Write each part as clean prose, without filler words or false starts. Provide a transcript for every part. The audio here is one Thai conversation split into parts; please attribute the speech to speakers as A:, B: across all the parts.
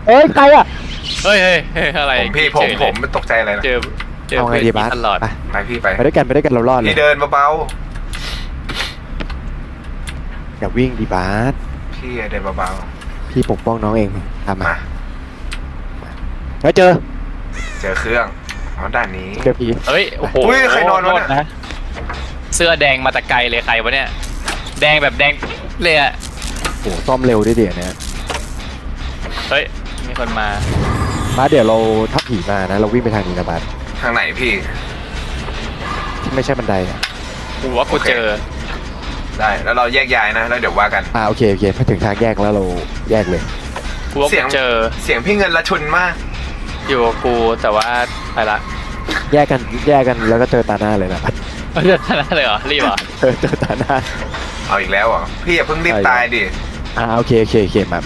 A: เอ้ยใครอ่ะ
B: เฮ้ยอะไร
C: ผมไม่ตกใจอะไรนะ
B: เจอ
A: เอาไงดีบ้าส
B: ตลอด
C: ไปพี่ไป
A: ไปด้วยกันเรารอดเลย
C: พี่เดินเบา
A: อย่าวิ่งดีบาส
C: ๆพี่เดินเบา
A: พี่ปกป้องน้องเองทำ
C: ๆ
A: มา
C: มา
A: แล้วเจอ
C: เจอเครื่องอ๋อด้านนี้
A: เจอผี
B: เฮ้ยโอ้โห
C: อุ้ยใครนอนวะเนี่ย
B: โทษเสื้อแดงมาแต่ไกลเลยใครวะเนี่ยแดงแบบแดงเลยอะ
A: โอ้ซ่อมเร็วด้วยเดี๋ยวนี้
B: เฮ้ยมีคนมา
A: บาสเดี๋ยวเราทับผีมานะเราวิ่งไปทางนี้นะบาส
C: ทางไหนพี่
A: ไม่ใช่บันไดอ่ะ
B: กูว่ากูเจอ
C: ได้แล้วเราแยกย้ายนะแล้วเดี๋ยวว่ากัน
A: โอเคพอถึงทางแยกแล้วเราแยกเลย
B: กูว่า
C: เสี
B: กู
C: ยง
B: เจอ
C: เสียงพี่เงินละชุนมาก
B: อยู่กับกูแต่ว่าไปละ
A: แยกกันแล้วก็เจอตาหน้าเลยนะบาส
B: เจอนั่นเลยเหรอรีบเหรอ
A: เจอตาหน้า
C: เอาอีกแล้วเหรอพี่อย่าเพิ่งรีบตายดิ
A: โอเคมา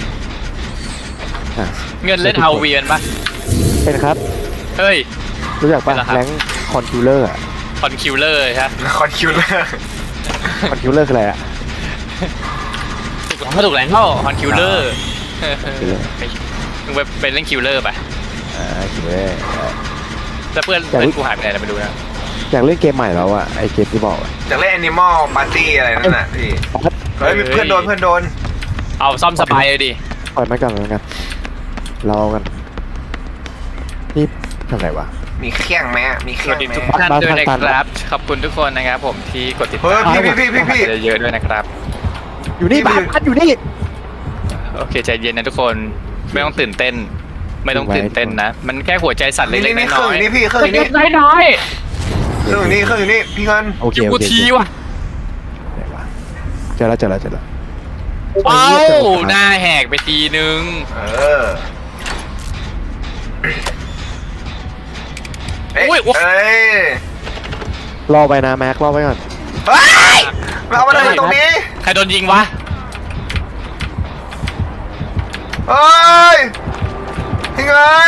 A: อ่ะ
B: เงินเล่นเอาเวียนปะ
A: เป็นครับ
B: เฮ้ย
A: รู้จักป่ะ
B: เป็นเหรอครับ
A: แรงคอนคิวเลอร์อ่ะ
B: คอนคิวเลอร์ใช่ไหม
C: คอนคิวเลอร์
A: คอนคิวเลอร์คืออะไรอ่ะ
B: ถูกแล้วคอนคิวเลอร์มึงไปเล่นคิวเลอร์ไป
A: คิวเลอร์
B: แล้วเพื่อนกูหายไปไหนไม่รู้นะ
A: อยากเล่นเกมใหม่แล้วอ่ะไอเกมที่บอกอ่ะ
C: จากเล่น Animal Party อะไรนั่นน่ะพี่เฮ้ยมีเพื่อนโดน
B: เอาซ่อมสบายเลยดิ
A: ปล่อยมันก่อนแล้วกันรอกันนี่ทำไรวะ
C: มีเครื่องไหมมีเค
B: ส
C: รื่อ
B: วั
C: ง
B: สดี
C: ไหม
B: ทุกท่านด้วยนะครับขอบคุณทุกคนนะครับผมที่กดติด
C: เฮ้ย
B: ตาม
C: พี่
B: เยอะๆด้วยนะครับ
A: อยู่นี่บ้านอยู่นี่
B: โอเคใจเย็นนะทุกคนไม่ต้องตื่นเต้น ไม่ต้องตื่นเต้นนะ มันแค่หัวใจสั่นเล็กๆ
C: นี่
B: น้อย
C: นี่พี่เครื่องอยู่นี่
B: ๆน้อย
C: เครื่องอยู่นี่พี่เงิน
A: โอ
B: ๆ
A: เค
B: อยู่กูทีว่ะ
A: ไหนวะเจอแล้ว
B: เอ้าหน้าแหกไปทีนึง
C: เออเอ้ย
A: รอไปนะแม็กรอไปก่อน
C: เฮ้ยมาเอามาเลยตรงนี้
B: ใครโดนยิงวะ
C: เฮ้ยพี่เงิน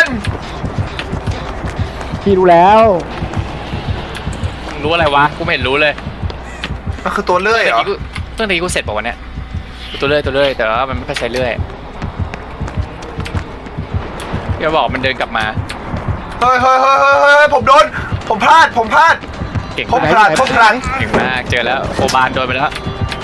A: พี่รู้แล้ว
B: มึงรู้อะไรวะกูไม่เห็นรู้เลย
C: มันคือตัวเลื่อยเหรอ
B: เรื่องนี้กูเสร็จป่าวะเนี่ยตัวเลื่อยแต่ว่ามันไม่ค่อยใช้เลื่อยอย่าบอกมันเดินกลับมา
C: เฮ้ยผมพลาด
B: เก่ง
C: ผม
B: มาก
C: พลาด
B: เก่งมากเจอแล้วโอบานโดนไปแล้ว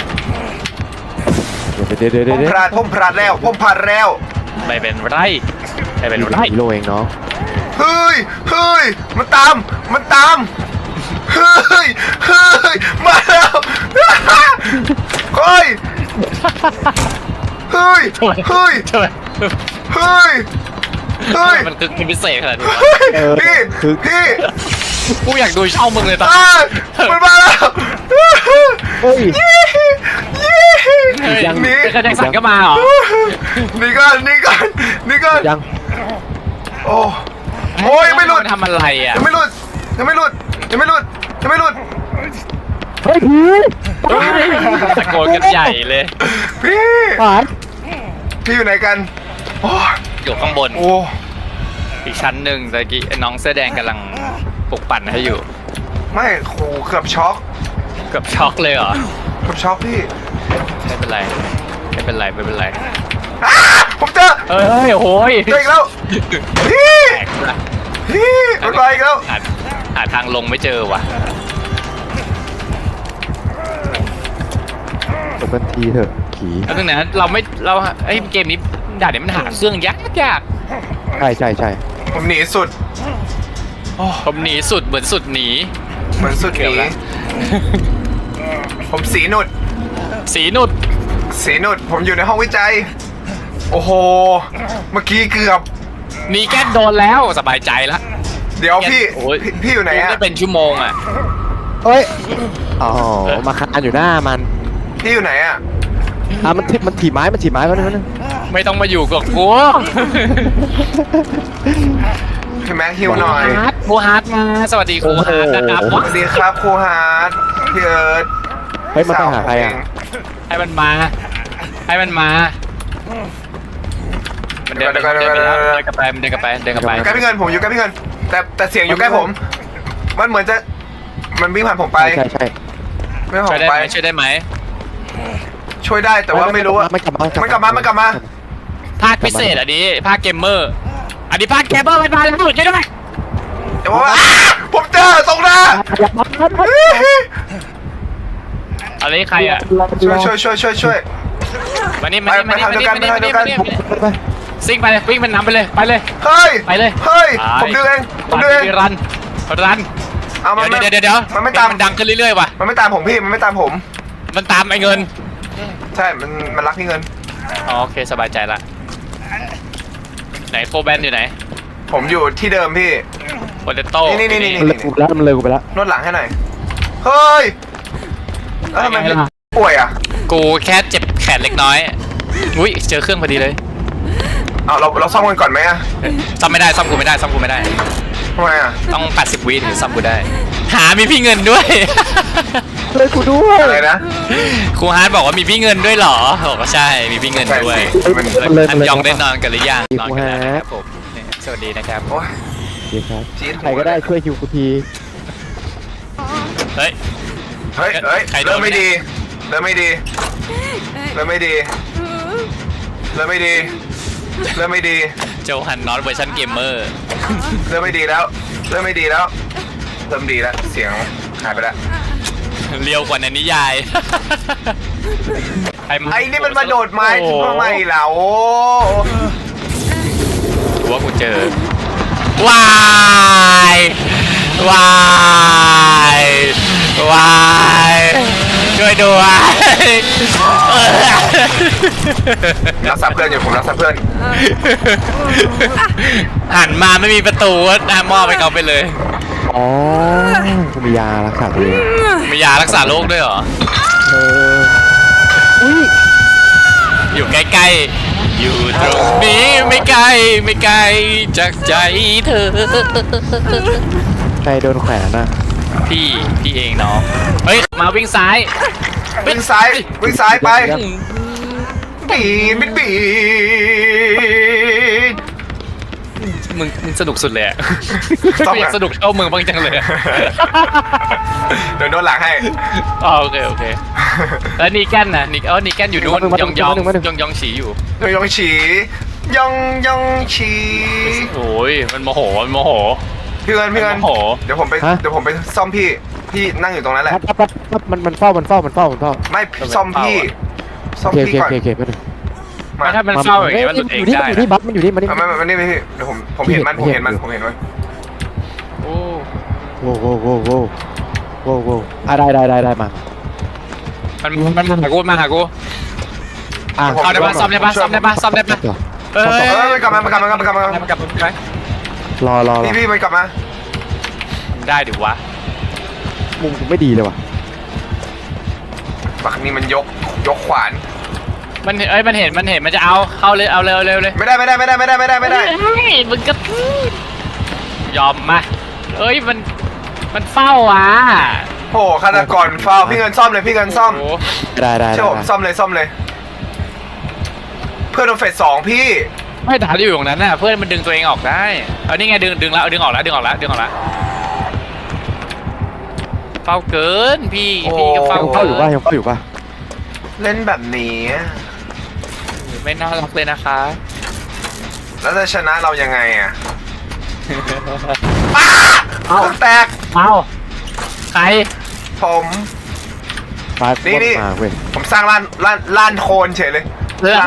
A: เดี๋ยว
C: ผมพลาดแล้ว
B: ไม่เป็นไรไม่เป็นไร
A: ฮีโร่เองเนาะ
C: เฮ้ยมันตามเฮ้ยมาแล้วเฮ้ย
B: ทำไมมันคือพิเศษขนาดนี้วะ
C: พี่
B: กูอยากดูช่องมึงเลยตอน
C: มันมาแล้ว
A: เฮ้ย
B: ยังมีแจ็คสันก็มาเหรอ
C: นี่ก่อน
A: ยัง
C: โอ้ยไม่หลุด
B: ทำอะไรอ่ะ
C: ยังไม่หลุด
A: เฮ้ยผี
B: ตะโกนกันใหญ่เลย
C: พี่
A: ผ่าน
C: พี่อยู่ไหนกันโอ้
B: อยู่ข้างบน
C: โอ้
B: อีกชั้นหนึ่งตะกี้น้องเสื้อแดงกำลังปลุกปั่นให้อยู่
C: ไม่โหเกือบช็อก
B: เกือบช็อกเลยเหรอ
C: พี่
B: ไม่เป็นไร
C: อ้าผมเจอ
B: เฮ้ยโอ้ย
C: เจออีกแล้วพี่
B: แตกละ
C: มันไปอีกแล้ว
B: หาทางลงไม่เจอว่ะ
A: จบกันทีเถอะผี
B: แล้วนึงนะเราไอ้เกมนี้ด่านนี้มันหาเครื่องยาก
A: ใช่
C: ผมหนีสุด
B: ผมหนีสุดเหมือนสุดหนี
C: เหมือนสุดห
B: เกือบ
C: นี
B: แล้ว
C: ผมสีหนุด
B: สีนุด
C: ผมอยู่ในห้องวิจัย โอ้โห เมื่อกี้เกือบ
B: หนีแก๊สโดนแล้วสบายใจละ
C: เดี๋ยวพี่
B: โอ้ย
C: พี่อยู่ไหนอะ
B: ได้เป็นชั่วโมงอ่ะ
A: เฮ้ยอ๋อมาคานอยู่หน้ามัน
C: พี่อยู่ไหนอะ
A: มันถีบไม้เขาเนี่ย
B: ไม่ต้องมาอยู่กับกู
C: พี่แม็กฮิวหน่อย
B: ครูฮาร์ดมาสวัสดีครูฮาร์ดนะครับ
C: สวัสดีครับครูฮาร์ดพี่เอิร์ธ
A: เฮ้ยมันไปหาใครอ่ะ
B: ให้มันมามันเดินไปแล้วเดินกลับไป
C: อยู่ใกล้พี่เงินผมอยู่ใกล้พี่เงินแต่เสียงอยู่ใกล้ผม มันเหมือนจะมันวิ่งผ่านผมไป
A: ใช่
C: ไม่ผ่าน
B: ช่
C: ผ
B: วย
C: ม
B: ได้
C: ไป
B: ไหมช่วยได้ไหม
C: ช่วยได้แต่ว่าไม่รู้ว่า
A: มันกลับมา
C: มันกลับมา
B: ภาคพิเศษอันนี้ภาคเกมเมอร์อันนี้ภาคเกมเมอร์มันมาแล้วช่วยด้วย
C: เดี๋ยวว่าผมเจอตรงหน้า
B: อันนี้ใครอ่ะ
C: ช่วย
B: มานี่มานี่มานี่มานี่มานี่มานี่มานี่
A: ไป
B: ซิ่งไปเลยวิ่งมันนำไปเลยไปเลย
C: เฮ้ย
B: ไปเลย
C: เฮ้ยผมดึงเองผมดึงเอง
B: รัน
C: เอามัน
B: เดี๋ยว
C: มันไม่ตาม
B: มันดังขึ้นเรื่อยๆว่ะ
C: มันไม่ตามผมพี่มันไม่ตามผม
B: มันตามไอ้เงิน
C: ใช่มันรักพี่เงิน
B: อ๋อโอเคสบายใจละไหนโฟแบนอยู่ไหน
C: ผมอยู่ที่เดิมพี่
B: โปเตโต้
C: นี่
A: มันเลยกูไปแล้วมันเลยกูไปแล้ว
C: นวดหลังให้หน่อยเฮ้ยแล้วทำไมพี่ป่วยอ่ะ
B: กูแค่เจ็บแขนเล็กน้อยอุ้ยเจอเครื่องพอดีเลย
C: เอาเราซ่อมกันก่อนไหมอ่ะ
B: ซ่อมไม่ได้ซ่อมกูไม่ได้ซ่อมกูไม่ได้
C: ทำไมอ่ะ
B: ต้อง80วิถึงจะซ่อมกูได้หามีพี่เงินด้วย
A: เลยกูด้วย
C: อะไรนะ
B: ครูฮาร์ดบอกว่ามีพี่เงินด้วยเหรอบอกว่าใช่มีพี่เงินด้วย
C: มัน
A: มันเลย
B: อันยองได้นอนกันหรือยังนอนกันแล้ว
A: ครูฮาร์ด
B: นะครับผมเนี่ยสวัสดีนะครับ
C: โอ้ย
A: ดีครับ
C: จี๊ด
A: ใครก็ได้ช่วยคิวกูที
B: เฮ้ย
C: เฮ้ย
B: ใครโดน
C: เริ่มไม่ดีเริ่มไม่ดีเริ่มไม่ดีเริ่มไม่ดีเริ่มไม่ดี
B: โจฮันนอตเวอร์ชันเกมเมอร์
C: เริ่มไม่ดีแล้วเริ่มไม่ดีแล้วเริ่มดีแล้วเสียงหายไปแล้ว
B: เรียวกว่าในนิยาย
C: ไอ้นี่มันมาโดดไม้ทำไมล่ะโอ้
B: กูว่ากูเจอวายวายวายช่วยด้วย
C: รักษาเพื่อนอยู่ผมรักษาเพื่อน
B: หันมาไม่มีประตูก็มอบไปเขาไปเลย
A: อ๋อกูมียารักษาตัวเอง
B: มียารักษาโรคด้วยเหรอ
A: เอออุ้ย
B: อยู่ใกล้ๆ อยู่ตรงนี้ไม่ไกลไม่ไกลจากใจเธอ
A: ใครโดนแขวนน่ะ
B: พี่เองน้อง เฮ้ย มาวิ่งซ้าย
C: วิ่งซ้ายไปบีดบีด
B: มึงสนุกสุดเลยอะ
C: ต้อง
B: อยากสนุกเท่ามึงบ้างจังเลยอะ
C: เดี๋ยวโดนหลังให้
B: อ๋อโอเคแล้วนีแกนนะนีแกนอยู่นู่นยองฉีอยู่
C: ยองฉียองฉี
B: โอ้ยมันโมโห
C: พี่เงิน
B: โมโห
C: เดี๋ยวผมไปซ่อมพี่นั่งอยู่ตรงนั้นแหละ
A: ปั๊บมันเฝ้า
C: ไม่ซ่อมพี่ซ่อม
A: โอเค
C: พี่ก่อน
A: โอเคไปดู
C: มา
B: ถ้ามันเฝ้าอย่างงี้มันหลุดเองได้
A: อยู่นี่บัฟมันอยู่นี่มันนี่
C: มันนี่พี่เดี๋ยวผมเห็นมัน
B: โอ้
A: โว้ได้มา
B: มันมาหากู
A: อ่ะ
B: เอาได้ปะซ่อมได้ปะเฮ้ย
C: มันกลับมา
B: มันกลับไป
A: รอ
C: พี่มันกลับมา
B: ได้ดิวะ
A: มุมกูไม่ดีเลยว่ะ
C: ปักนี่มันยกขวาน
B: มันเห็นมันจะเอาเข้าเลยเอาเร็วเลย
C: ไม่ได้
B: มึงก็ยอมมาเอ้ยมันเฝ้าอ่ะ
C: โอ้ฆาตกรฟาวพี่เงินซ่อมเลยพี่เงินซ่อม
A: ได้
C: เชื่อผมซ่อมเลย เพื่อนโดนเฟส2พี่
B: ไม่ด่าอยู่ตรงนั้นน่ะเพื่อนมันดึงตัวเองออกได้เอานี่ไงดึงแล้วดึงออกแล้วเฝ้าเกินพี่ก็เฝ้า
A: ยังเฝ้าอยู่ป่ะ
C: เล่นแบบนี้
B: ไม่น่ารักเลยนะคะ
C: แล้วจะชนะเรายังไงอ่ะเอาแตก
B: เอาใคร
C: ผม
A: ฟ้า
C: นี่
A: มาเว้ย
C: ผมสร้างล้านโคลนเฉยเลยล้าน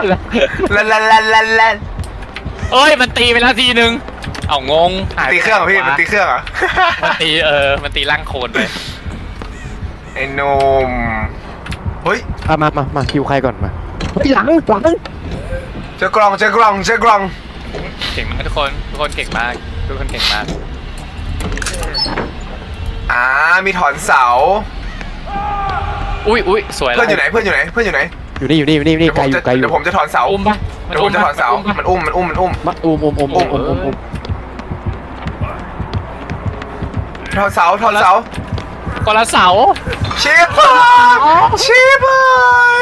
B: เอ้ยมันตีไปแล้วทีนึงเอางง
C: ตีเครื่องเหรอพี่มันตีเครื่องเหรอ
B: มันตีร่างโคลนเลย
C: ไอ้นมเฮ้ย
A: มาคิวใครก่อนมาหลัง
C: เจอกล่อง
B: เก่งมากทุกคนเก่งมาก
C: มีถอนเสา
B: อุ้ยสวยแล้ว
C: เพื่อนอยู่ไหน
A: อยู่นี่ไกลอยู่
C: เดี๋ยวผมจะถอนเสา
B: อุ้มปะ
C: เดี๋ยวผมจะถอนเสามันอุ้ม
A: มาอุ้ม
C: ถอนเสา
B: คนละเสา
C: ชิบหาย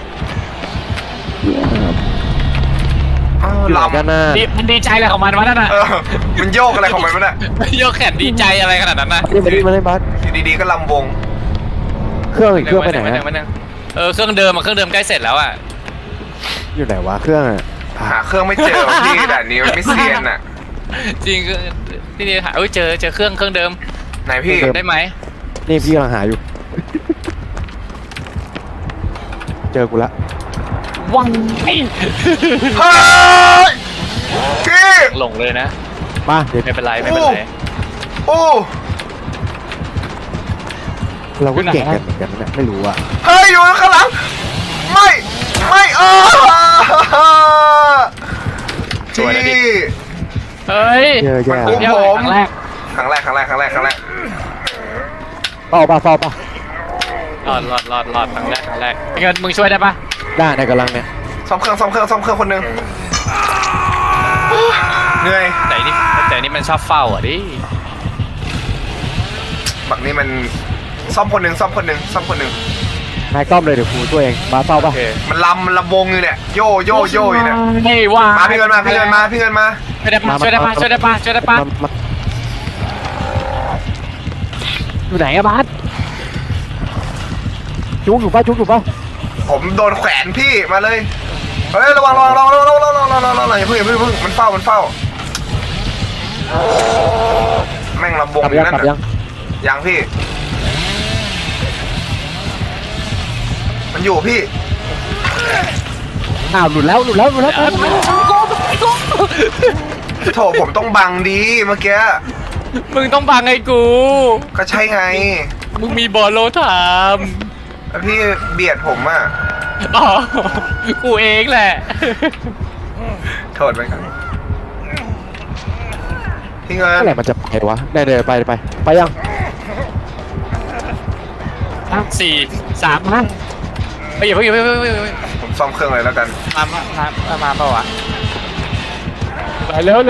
A: อยู่
C: ลำ
A: กันน่ะ
B: มันดีใจอะไรของมันวะนั่นน่ะ
C: มันโยกอะไรของมันวะเนี่ย
B: โยกแขนดีใจอะไรขนาดนั้นนะ
A: มาเล่นบัส
C: อยู่ดีๆก็ลำวง
A: เครื่องไปไหน
B: เครื่องเดิมใกล้เสร็จแล้วอ่ะ
A: อยู่ไหนวะเครื่อง
C: หาเครื่องไม่เจอพี่ด่านนี้มันไม่เซียนอ่ะ
B: จริงคือที่นี่หาเจอเครื่องเดิม
C: ไหนพี่
B: ได้ไหม
A: นี่พี่กำลังหาอยู่ เจอกูละ
B: วังไอ
C: เฮ้ยพี่
B: หลงเลยนะ
A: มาเดี๋ยว
B: ไม่เป็นไรไม่เป็นไร
C: โอ้
A: เราก็เก่งกันเหมือนกันนะไม่รู้อะ
C: เฮ้ยอยู่ข้างหลังไม่พี่
B: เฮ้ย
A: เจอแย่
C: มัน
B: เดี๋ยว
C: ผม
B: ครั้งแรก
C: ครั้งแรก
A: เฝ้าป่ะเฝ้าป่ะ
B: รอดครั้งแรกเงินมึงช่วยได้ปะ
A: ได้ในกำลังเนี่ย
C: ซ่อมเครื่องคนหนึงเหนื่อย
B: แต่นี่มันชอบเฝ้าอ่ะดิ
C: บักนี้มันซ่อมคนหนึ่ง
A: นายก้อมเลยเดี๋ยวครูช่วยเองมาเฝ้า
B: โอ
A: ป่ะ
B: เค
C: มันลำวงอยู่เนี่ยโยอยู่เนี่ย
B: ไม่ว่า
C: มาพี่เงินมา
B: ช่วยได้ปะ
A: อยู่ไหนอะบาสจุกอยู่ป่ะ
C: ผมโดนแขวนพี่มาเลยเฮ้ยระวังอย่าเพิ่งมันเฝ้าแม่งลำวง
A: กลับ
C: อยู่
A: ยัง
C: นั่น
A: กลับยัง
C: ยังพี่มันอยู่พี่
A: อ้าวหลุดแล้ว
C: โถผมต้องบังดีเมื่อกี้
B: มึงต้องบังไอ้กู
C: ก็ใช่ไง
B: มึงมีบอลโลถาม
C: แล้วพี่เบียดผมอ่ะ
B: อ๋อกูเองแหละ
C: โทษไปครับพี่เงิน
A: เมื่อไหร่มันจะไปวะได้ไปยัง
B: 4 3 5ไปอย่าเพิ่ง
C: ผมซ่อมเครื่องเลยแล้วกัน
B: มาเปล่าวะไปเร็ว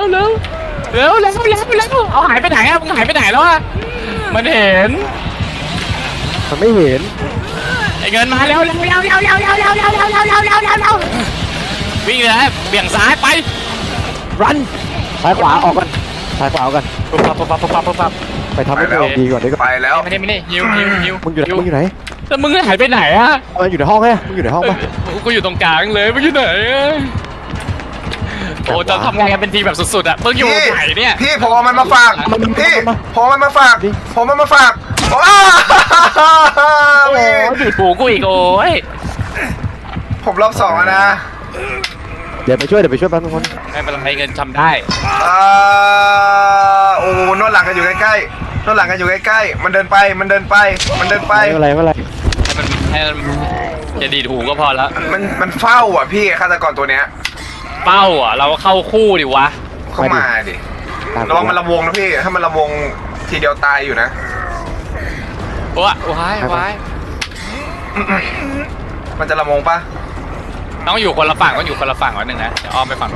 B: เอาหายไปไหนอะมึงหายไปไหนแล้วอะมันเห็น
A: มันไม่เห็น
B: ไอ้เงินมาเร็ววิ่งเลยเบี่ยงซ้ายไป
A: รันซ้ายขวาออกกัน
B: ปุ๊บปั๊บ
A: ไปทำให้ตัวเองดีก่อนดีกว่า
C: ไปแล้ว
B: ไม่ได้ฮิว
A: มึงอยู่ไหน
B: แล้วมึงหายไปไหนอะ
A: มันอยู่ในห้องไงมึงอยู่ในห้องป่ะ
B: กูอยู่ตรงกลางเลยมึงอยู่ไหนโอ้จะทำงานกันเป็นทีมแบบสุดๆอะมึงอยู่ไหนเนี่ย
C: พี่ผมเอามันมาฝากพี่ผมเอามันมาฝากอ้า
B: โอ้ยบีบหูกูอีกโอ้ย
C: ผมรอบ2แล้วนะ
A: เดี๋ยวไปช่วยแป๊บนึงคน
B: ไม่เป็นไรเงินทำได้
C: โอ้นวดหลังกันอยู่ใกล้ๆมันเดินไป
A: ไม่เป็นไร
B: ให้มันจะดีดหูก็พอแล้ว
C: มันเฝ้าอ่ะพี่ฆาตกรตัวเนี้ย
B: เป้าอ่ะเราเข้าคู่ดิวะ
C: เข้ามาดิระวังมันระวงนะพี่ถ้ามันระวงทีเดียวตายอยู่นะ
B: ว้าย
C: มันจะระวงปะ
B: ต้องอยู่คนละฝั่งวันหนึ่งนะเดี๋ยวอ้อมไปฝั่ง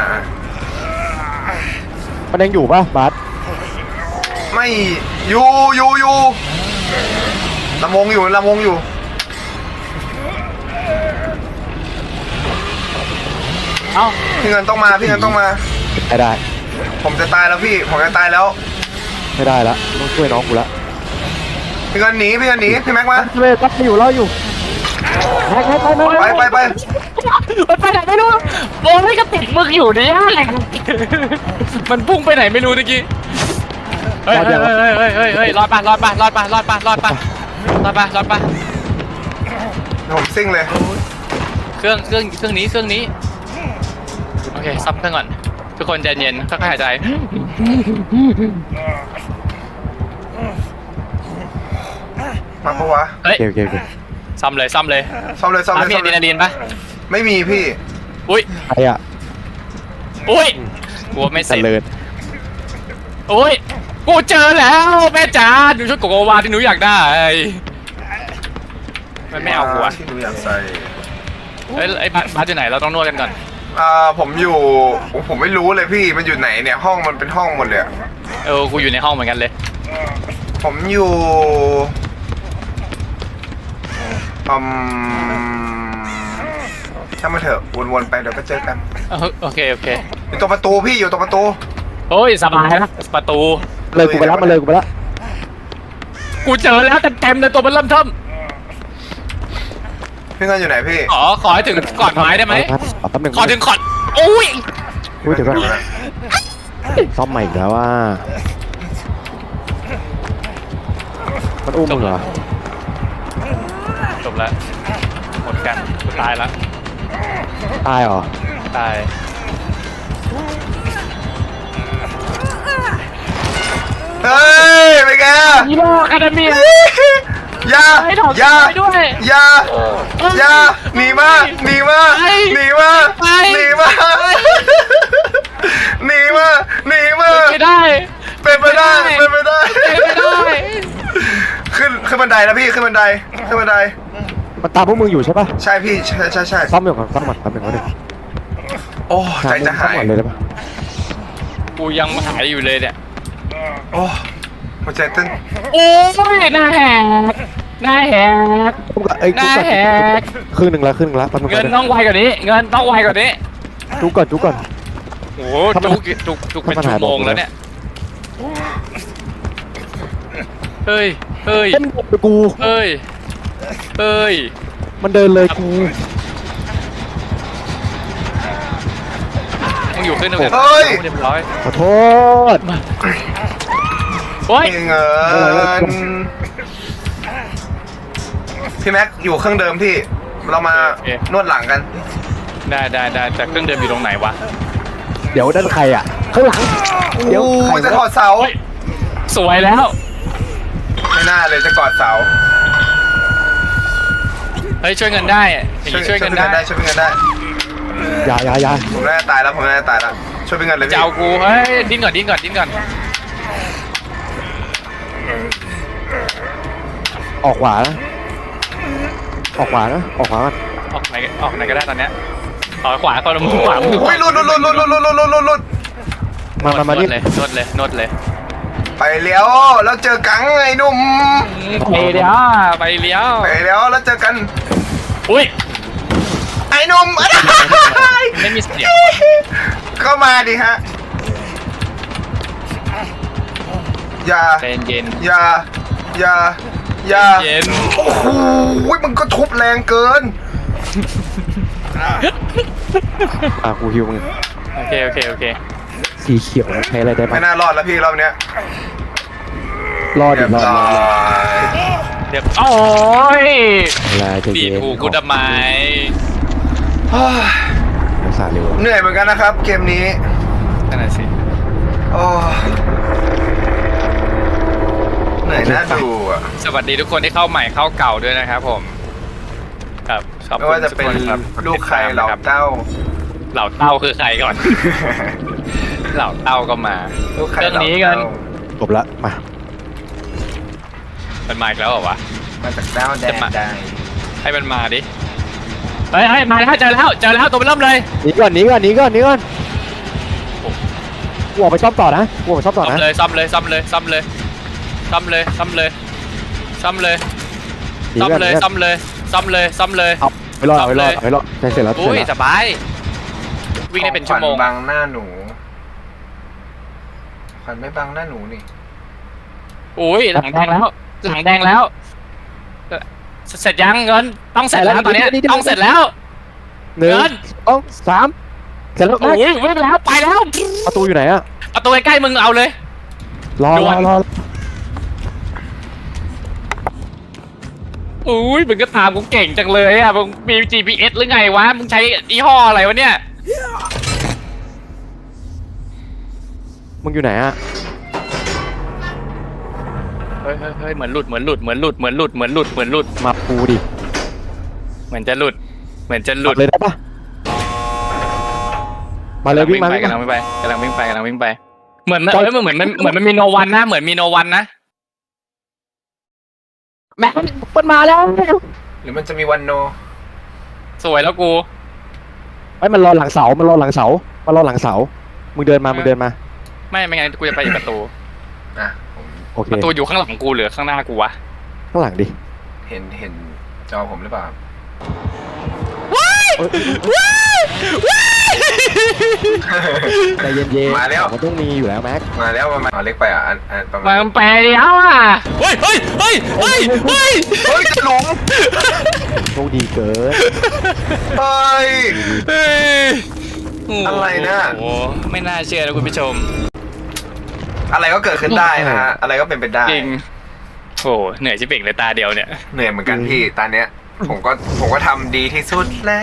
A: มันยังอยู่ป่ะบาส
C: ไม่อยู่ระวงอยู่
B: เอ้า
C: พี่เงินต้องมา
A: ไม่ได้
C: ผมจะตายแล้วพี่ผมจะตายแล้ว
A: ไม่ได้ละต้องช่วยน้องกูละ
C: พี่เงินหนีพี่แม็กมา
A: เว้ยปั๊บอยู่รออยู่ไป
C: ไป
B: มันไปไหนไม่รู้โอ้ยก็ติดมึงอยู่เนี่ยมันพุ่งไปไหนไม่รู้เมื่อกี้เฮ้ยรอดปะ
C: ผมซิ่งเลย
B: เครื่องนี้โอเคซับเครื่องก่อนทุกคนใจเย็นค่อยๆหายใจ
C: มาปะวะ
B: เฮ้ย
A: โอเค
B: ซ่อมเลย
C: ซ่อมเลย
B: มีอะดรีนาลีนปะ
C: ไม่มีพี่
B: อุ้ย
A: ใครอะ
B: กลัวไม่เส
A: เจ
B: ร็จ
A: ริญ
B: อุ้ยกูเจอแล้วแม่จ๋าหนูชุดโกโกวาที่หนูอยากได้มันไม่เอาหัว
C: ที่หนูอยากใส่
B: เฮ้ยไอ้บาสอยู่ไหนเราต้องนวดกันก่อน
C: ผมไม่รู้เลยพี่มันอยู่ไหนเนี่ยห้องมันเป็นห้องหมดเลยอะ
B: กูอยู่ในห้องเหมือนกันเลย
C: ผมอยู่ช่างมาเถอะวนๆไปเดี๋ยวก็เจอกัน
B: โอเค
C: อยู่ตรงประตูพี่อยู่ตรงประตู
B: โอ้ยสบายนะประตู
A: เลยกูไปแล้วมาเลยกูไปแล้ว
B: กูเจอแล้วเต็มเลยตัวมันเริ่มเทิม
C: พี่เงินอยู่ไหนพี่
B: ขอให้ถึงก่อนไม้ได้ไหม
A: แป๊บหนึง
B: ขอถึงก่อนโอ้ย
A: อุ้ยเดี๋ยวก่อนซ่อมใหม่อีกแล้วว่ามันอุ้มมึงเหรอ
B: จบแล้วหมดกันกูตายแล้ว
A: ตายเหรอ
B: ตาย
C: เฮ้ยไปแก
B: ฮีโร่อะคาเดเมีย
C: อย่า
B: ให้ถอด
C: อย่า
B: ไปด้วย
C: อย่าอย่าหนีมาหนีมาหนีมาหนีมาหนีมาหนีมา
B: ไม่ได้
C: เป็นไปได้เป็นไปได้
B: ไม่ได้
C: ขึ้นบันไดแล้วพี่ขึ้นบันไดขึ้นบันได
A: มันตามพวกมึงอยู่ใช่ปะ
C: ใช่พี่ใช่
A: ซ่อมอยู่ก่อนซ่อมก่อนแป๊บหนึงก่อนดิ
C: โอ้ใจจะหาย
A: ซ่อมก่อนเลยได้ปะ
B: กูยังหายอยู่เลยเนี่ย
C: โอ้หัวใจเต้น
B: โอ้ยหน้าแหกหน้าแหก
A: เอ้ย
B: หน้าแหก
A: ครึ่งหนึ่งแล้วครึ่งหนึ่งแล้วแป๊บหนึง
B: เงิ
A: ก่อน นดิ
B: ต้องไวกว่านี้ เงินต้องไวกว่านี้
A: จุกก่อนจุกก่อน
B: โอ้โหจุกเป็นชั่วโมงแล้วเนี่ยเฮ้ยเฮ้ย
A: เต้นไปกู
B: เฮ้ยเฮ้ย
A: มันเดินเลยกู
B: มึงอยู่ขึ้นหนึ่งเรียบร้อย
A: ขอโทษ
B: โอ้ย
C: เงินพี่แม็กอยู่เครื่องเดิมพี่เรามานวดหลังกัน
B: ได้แต่เครื่องเดิมอยู่ตรงไหนวะ
A: เดี๋ยวด้านใครอ่ะข้างหลังเดี๋ยวใคร
C: จะกอดเสา
B: โอ้ยสวยแล้ว
C: ไม่น่าเลยจะกอดเสา
B: เฮ้ยช่วยเงินได้อย่างนี้ช่วยเงินได้
C: ช่วยพี่เงินได้
A: อย่า
C: ผมน่าจะตายแล้วผมน่าจะตายแล้วช่วยพี่เงินเลย
B: จะ
C: พี่
B: เอากูเฮ้ยดิ้นก่อน
A: ออกขวานะออกขวานะออกขวากัน
B: ออกไหนก็ได้ตอนเนี้ยขวาคนละมือขวามือ
C: อุ้ยหลุด
A: มานี่
B: นวดเลย
C: ไปแล้วแล้วเจอกังไอ้หนุ่ม
B: ไปเลี้ยว
C: ไปแล้วแล้วเจอกัน
B: อุ้ย
C: ไอ้หนุ่ม
B: ไม่มีเสียง
C: เข้ามาดิฮะอย่า
B: ใจเย็น
C: อย่า
B: เย็น
C: โอ้โหมันก็ทุบแรงเกิน
A: กูฮิวมึง
B: โอเค
A: สีเขียวใช้อะไรได้บ้า
C: ไม่
A: ง
C: น่ารอดแล้วพี่รอบเนี้ย
A: รอด
C: เรี
A: ดิ
C: ยบ
A: รอด
C: ร้อย
B: เดี๋ยวโอ้ย
A: อะไรจะ
B: ดี
A: เย็น
B: กูทำไม
A: รักษาเร็ว
C: เหนื่อยเหมือนกันนะครับ เกมนี้
B: นั่นแหละสิ
C: โอ้เหนื่อยน่าดูอ่ะ
B: สวัสดีทุกคนที่เข้าใหม่เข้าเก่าด้วยนะครับผมครับขอบ
C: ไม่
B: คุณ
C: ว่าจะเป็น
B: ทุกคนครับ
C: ลูกใครเหล่า
B: ครับ
C: เต้า
B: เหล่าเต้าคือใครก่อน เหล่าเต้าก็มา
C: ลูกใคร
B: เรื่อง
C: เหล่า
B: นี้กัน
C: เต้า
A: จบละมา
B: มันมาอีกแล้วเหรอวะ
C: มาจากดาวแดนใด
B: ให้มันมาดิเฮ้ยมาแล้วเจอแล้วตัวมันเริ่มเลย
A: หนีก่อนกูออกไปซ่อมต่อนะกูออกไปซ่อมต่อ
B: ซ่อม
A: นะ
B: เลยซ่อมเลยซ่อมเลยซ่อมเลยซ่อมเลยซ่อมเลยซ่อมเลย
A: หนี
B: ซ่อม
A: ก่อน
B: เลยซ่อมเลยซ่อมเลยซ่อมเลย
A: เอาไปรอดใช้เสร็จแล้ว
B: อุ้ยสบายวิ่งได้เป็นชั่วโมง
C: ขวัญบังหน้าหนูขวัญไม่บังหน้าหนูนี่
B: อุ้ยหลังแดงแล้วเสร็จยังเงินต้องเสร็จแล้วตอนนี้ต้องเสร็จแล้ว
A: หนึ่งสองสามเสร็จแล้ว
B: โอ้ยวิ่งแล้วไปแล้ว
A: ประตูอยู่ไหนอะ
B: ประตูใกล้ๆมึงเอาเลย
A: รอ
B: อุ้ยมึงก็ตามกูเก่งจังเลยอ่ะมึงมี GPS หรือไงวะมึงใช้ยี่ห้ออะไรวะเนี่ย
A: มึงอยู่ไหนอะ
B: เฮ้ยเหมือนหลุด
A: มาปูดิ
B: เหมือนจะหลุด
A: เลยได้ปะมาเลยวิ่งมาก
B: ำลังวิ่งไปเหมือนมันมีโนวันนะเหมือนมีโนวันนะ
A: แม่มันมาแล้ว
C: หรือมันจะมีวันโน
B: สวยแล้วกู
A: ไอ้มันรอหลังเสามึงเดินมา
B: ไม่งั้นกูจะไปอีกประตู
C: อ่ะ
A: โอเค
B: ประตูอยู่ข้างหลังกูหรือข้างหน้ากูวะ
A: ข้างหลังดิ
C: เห็นจอผมหรือเปล่า
A: ใจเย็นๆ
C: มาแล้ว
A: มันต้องมีอยู่แล้วแม็ก
C: มาแล้วมาเอาเล็กไปอ่ะอันประมาณ
B: มันไปแล้วอ่ะเฮ้ย
C: เฮ้ยจะหลง
A: โชคดีเกิน
C: เฮ้ย
B: เฮ้ยโ
C: อะไรนะ
B: โอ้โหไม่น่าเชื่อนะคุณผู้ชม
C: อะไรก็เกิดขึ้นได้นะฮะอะไรก็เป็นไปได้
B: จริงโอ้เหนื่อยชิบเป่งเลยตาเดียวเนี่ย
C: เหนื่อยเหมือนกันพี่ตอนเนี้ยผมก็ทำดีที่สุดแล้ว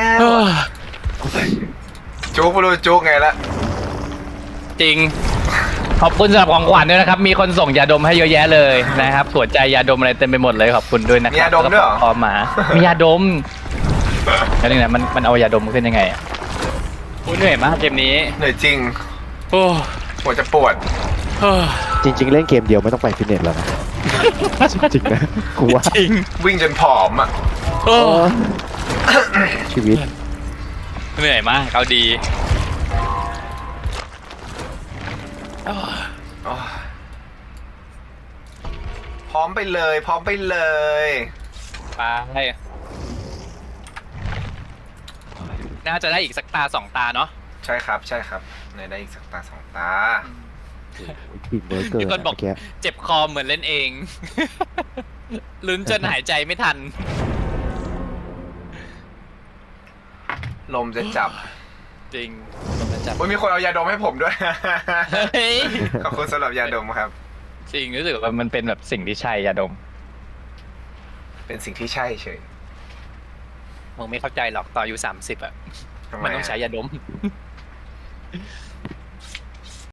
C: จุกไม่รู้จุกไงละ
B: จริง ขอบคุณสำหรับของขวัญด้วยนะครับ มีคนส่งยาดมให้เยอะแยะเลยนะครับหัวใจยาดมอะไรเต็มไปหมดเลยขอบคุณด้วยนะครับ
C: มียาดมด้วยเหรอ
B: พอหมา มียาดมแล้วนี่นะมันเอายาดมขึ้นยังไงอ่ะโอ้เหนื่อยมากเกมนี้
C: เหนื่อยจริง
B: โอ้
C: หัวจะปวด
B: โอ้
A: จริง ๆ เล่นเกมเดียวไม่ต้องไปฟิตเนสแล้วนะ จริงๆนะกูว่า
B: จริง
C: วิ่งจนผอมอ่ะ
B: โอ้
A: ชีวิต
B: เหนื่อยมากเอาดี
C: พร้อมไปเลย พร้อมไปเลย
B: ไปน่าจะได้อีกสักตาสองตาเนาะ
C: ใช่ครับ ใช่ครับในได้อีกสักตาสองตา
A: ปิดเบอร์เกิน
B: มีคนบอก
A: เมื่อกี้
B: เจ็บคอเหมือนเล่นเอง ลุ้นจนหายใจไม่ทัน
C: ลมจะจับ
B: จริงผมจะจับ
C: โอ้ยมีคนเอายาดมให้ผมด้วย
B: เฮ้ย
C: ขอบคุณสำหรับยาดมครับ
B: จริงรู้สึกว่ามันเป็นแบบสิ่งที่ใช่ยาดม
C: เป็นสิ่งที่ใช่เฉย
B: มึงไม่เข้าใจหรอกตอนอายุ30อ่ะ
C: ทำไม
B: มันต้องใช้ยาดม